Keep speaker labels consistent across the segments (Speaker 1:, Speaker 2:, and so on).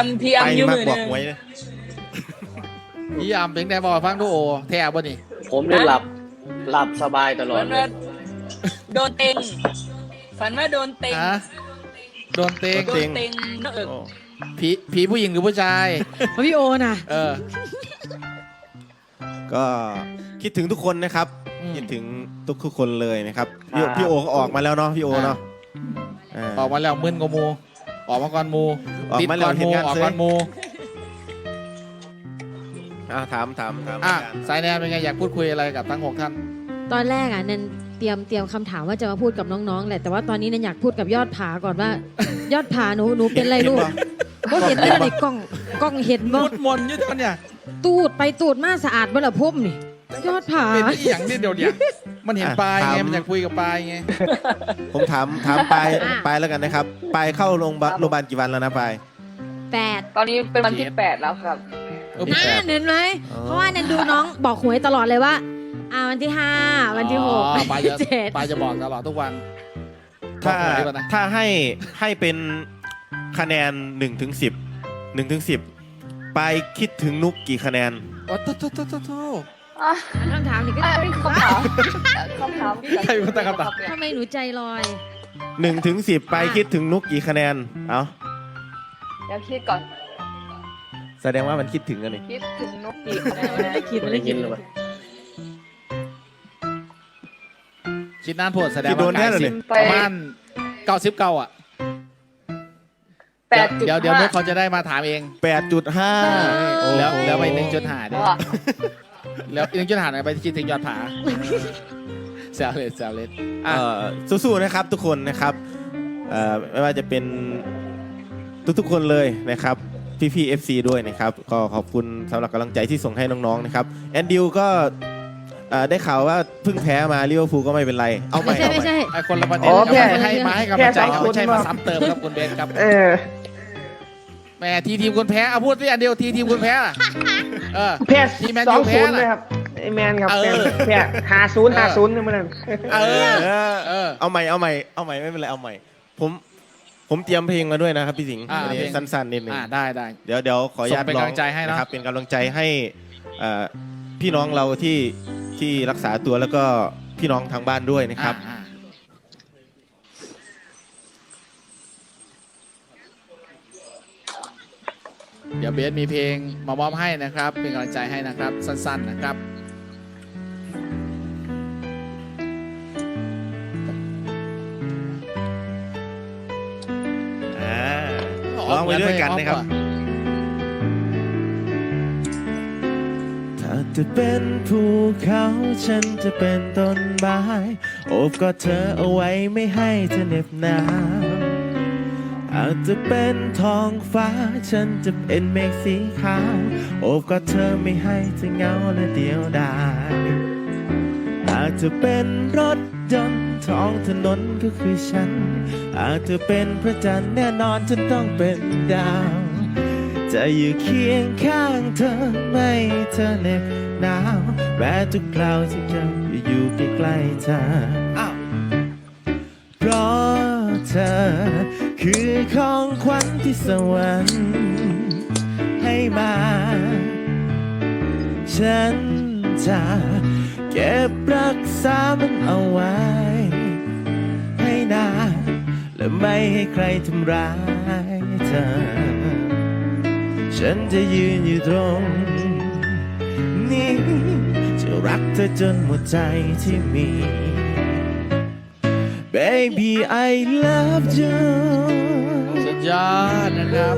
Speaker 1: พี่อัมยืมมือ
Speaker 2: บอก
Speaker 1: นึง
Speaker 2: หวยเลย
Speaker 3: พี่ยามเป็นไงบอกฟังดูโอแท้บ่นี่
Speaker 4: ผมได้หลับสบายตลอ
Speaker 1: ฝั
Speaker 4: ด
Speaker 1: น
Speaker 4: เล
Speaker 1: ว่าย โดนเต็งฝันว่าโดนเต็ง
Speaker 3: ฮะโดนเตง
Speaker 1: โดนเต็งนอกเอิก
Speaker 2: โอ้
Speaker 3: ผีผู้หญิงหรือผู้ชาย
Speaker 5: พี่โอน่ะ
Speaker 3: เออ
Speaker 2: ก็คิดถึงทุกคนนะครับ
Speaker 3: อืม
Speaker 2: คิดถึงทุกคนเลยนะครับพี่โอก็ออกมาแล้วเนาะพี่โอเนาะ
Speaker 3: ออกมาแล้วมึนกว่าหมูออกมาก่อนหมู
Speaker 2: ออก
Speaker 3: ติด
Speaker 2: มาแล้
Speaker 3: ก่
Speaker 2: ว
Speaker 3: อนห
Speaker 2: เห็น
Speaker 3: มู
Speaker 2: งาน
Speaker 3: ออก
Speaker 2: เซ่
Speaker 3: ก่อนหมู
Speaker 2: ถาม
Speaker 3: อ่ะสายแนนเป็นไงอยากพูดคุยอะไรกับทั้ง6ท่าน
Speaker 5: ตอนแรกอ่ะนันเตรียมคำถามว่าจะมาพูดกับน้องๆแหละแต่ว่าตอนนี้นันอยากพูดกับยอดผาก่อนว่า ยอดผาหนูเป็นไรลูกก็เห็นได้ในกล้องเห็นบ่
Speaker 3: พูดมนอยู่ตอนเนี่ย
Speaker 5: ตูดไปตูดมาสะอาดบ่ล่ะพุ่มนี่ยอดผา
Speaker 3: เป็นอีหยังนี่เดี๋ยวเนี่ยมันเห็นปลายไงมันอยากคุยกับปลายไง
Speaker 2: ผมถามปายแล้วกันนะครับปายเข้าโรงพยาบาลกี่วันแล้วนะปาย
Speaker 5: 8
Speaker 1: ตอนนี้เป็นวันที่8แล้วครับ
Speaker 5: น่าเห็นไหมเพราะว่านันดูน้องบอกหวยตลอดเลยว่าวันที่5วันที่
Speaker 3: อ๋อปลาย
Speaker 5: 6
Speaker 3: จะ
Speaker 5: 7
Speaker 3: ปลายจะบอกตลอดทุกวัน
Speaker 2: ถ้า
Speaker 3: บอกหวยก่อนนะ
Speaker 2: ถ้าให้เป็นคะแนน1 ถึง 10ปายคิดถึงนุกกี่คะแนน
Speaker 3: โอ้โท
Speaker 5: คำถามนี่ก็
Speaker 1: เป็นคำถามที่
Speaker 3: ใครเป็นคนตั้งคำถาม
Speaker 5: ทำไมหนูใจลอย
Speaker 2: 1 ถึง 10ปายคิดถึงนุกกี่คะแนนเอา
Speaker 1: เดี๋ยวคิดก่อน
Speaker 2: แสดงว่ามันคิดถึงกันนี่
Speaker 1: คิดถึงนกปีกคะแนน
Speaker 5: ไม่ได้คิดไม่ได้คิดเลย
Speaker 3: คิดนานโพดแสดง
Speaker 2: คิดโดน
Speaker 3: ว่า
Speaker 2: แน่เลย
Speaker 3: ประมาณ99อ่ะ
Speaker 1: 8.5
Speaker 3: เดี๋ยวนุ๊กเขาจะได้มาถามเอง
Speaker 2: 8.5
Speaker 3: แล้วไป1.5ด้วยแล้ว1.5ไปคิดถึงยอดผาแซวเล่นอ่ะ
Speaker 2: สู้ๆนะครับทุกคนนะครับไม่ว่าจะเป็นทุกๆคนเลยนะครับพี่ๆ FC ด้วยนะครับก็ขอบคุณสำหรับกำลังใจที่ส่งให้น้องๆนะครับแอนดิวก็ได้ข่าวว่าเพิ่งแพ้มาลิเวอร์พูลก็ไม่เป็นไรเอาใหม่
Speaker 5: ไม่ใช่
Speaker 3: ไอ้คนละประเด็น
Speaker 1: อ๋อ
Speaker 3: ครับ
Speaker 1: แค่
Speaker 3: ให้มาให้กำลังใจ
Speaker 1: แค่
Speaker 3: เขาไม่ใช่
Speaker 1: 2-0
Speaker 3: มาซ้ำเติมครับคุณเบนครับ
Speaker 1: เออ
Speaker 3: แหมทีมคนแพ้เอาพูดสิอันเดียวทีมคนแพ้ล่ะเออ
Speaker 6: แพ้
Speaker 3: ทีมแมน
Speaker 6: สอ
Speaker 3: ยู
Speaker 6: ง
Speaker 3: แพ้
Speaker 6: ศูนย์เลย
Speaker 3: ล่ะ
Speaker 6: ครับไอแมนครับ
Speaker 3: เออ
Speaker 6: แพ้50นี่มันนั่น
Speaker 3: เออ
Speaker 2: เอาใหม่ไม่เป็นไรเอาใหม่ผมเตรียมเพลงมาด้วยนะครับพี่สิงห์
Speaker 3: อ่า
Speaker 2: อันนี้
Speaker 3: เพลง
Speaker 2: สั้นๆนิดนึง
Speaker 3: ได้
Speaker 2: เดี๋ยวขออนุญาต
Speaker 3: ส่งเป็น
Speaker 2: ร้อง
Speaker 3: กำลังใจให้เนอะ
Speaker 2: นะครับเป็นกำลังใจให้พี่น้องเราที่รักษาตัวแล้วก็พี่น้องทางบ้านด้วยนะครับ
Speaker 3: เดี๋ยวเบสมีเพลงมามอบให้นะครับ เป็นกำลังใจให้นะครับสั้นๆนะครับ
Speaker 2: ร้องไปด้วยกันนะครับ ถ้าจะเป็นภูเขาฉันจะเป็นต้นไม้โอบกอดเธอเอาไว้ไม่ให้เธอเหน็บหนาวอาจจะเป็นท้องฟ้าฉันจะเป็นเมฆสีขาวโอบกอดเธอไม่ให้เธอเหงาและเดียวดายอาจจะเป็นรถยนต์ท้องถนนก็คือฉันอาจจะเป็นพระจันทร์แน่นอนฉันต้องเป็นดาวจะอยู่เคียงข้างเธอไม่ให้เธอเหน็บหนาวแม้ทุกคราวที่เธออยู่ใกล้ๆเธอเพราะเธอคือของขวัญที่สวรรค์ให้มาฉันจะเก็บรักษามันเอาไว้ให้นานและไม่ให้ใครทำร้ายเธอฉันจะยืนอยู่ตรงนี้จะรักเธอจนหมดใจที่มี Baby I love you
Speaker 3: สุดยอดนะครับ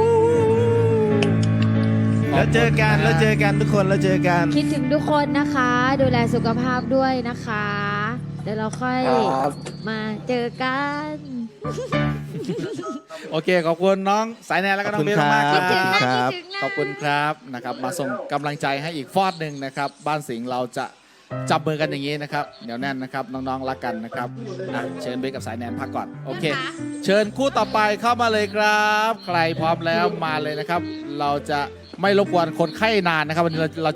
Speaker 2: แล้วเจอกันทุกคนแล้วเจอกัน
Speaker 5: คิดถึงทุกคนนะคะ ดูแลสุขภาพด้วยนะคะ เดี๋ยวเราค่อยมาเจอกัน
Speaker 3: โอเคขอบคุณน้องสายแนนแล้วก็น้องเบสมากๆ
Speaker 2: ข
Speaker 3: ค
Speaker 2: อบ
Speaker 3: รั
Speaker 2: คุณ
Speaker 3: บ
Speaker 2: ครับ
Speaker 3: ขอบคุณครับนะครับมาส่งกำลังใจให้อีกฟอดหนึ่งนะครับบ้านสิงห์เราจะจับมือกันอย่างนี้นะครับเดี๋ยวแน่นนะครับน้องๆรักกันนะครับเชิญเบสกับสายแนนพักก่อนโอเค เชิญคู่ต่อไปเข้ามาเลยครับ ใครพร้อมแล้วมาเลยนะครับ เราจะไม่รบกวนคนไข้นานนะครับวันนี้เรา